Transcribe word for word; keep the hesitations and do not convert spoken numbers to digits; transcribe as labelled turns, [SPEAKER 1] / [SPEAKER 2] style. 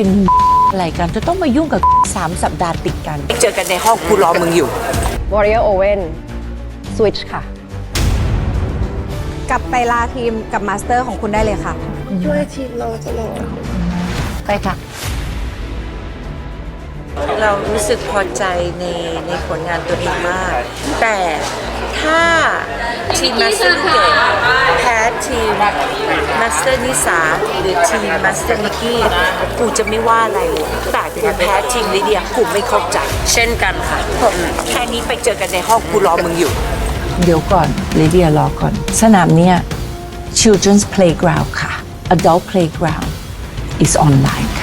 [SPEAKER 1] เป็นอะไรกันจะต้องมายุ่งกับสามสัปดาห์ติดกันเจอกันในห้องกูรอมึงอยู่
[SPEAKER 2] Warrior Owen Switch ค่ะ
[SPEAKER 3] กลับไปลาทีมกับมาสเตอร์ของคุณได้เลยค่ะ
[SPEAKER 4] ช่วยทีมเราตลอด
[SPEAKER 1] ไปค่ะ เรารู้สึกพอใจในในผลงานตัวเองมาก แต่ถ้าทีมมาสเตอร์นิเกตแพ้ทีมมาสเตอร์นิสาหรือทีมมาสเตอร์นิกกี้กูจะไม่ว่าอะไรเลยแต่กูแพ้ทีมลิเดียกูไม่เข้าใจ
[SPEAKER 4] เช่นกันค่ะ
[SPEAKER 1] แค่นี้ไปเจอกันในห้องกูรอมึงอยู่ เดี๋ยวก่อนลิเดียรอก่อน สนามเนี้ย children's playground ค่ะ adult playground is online ค่ะ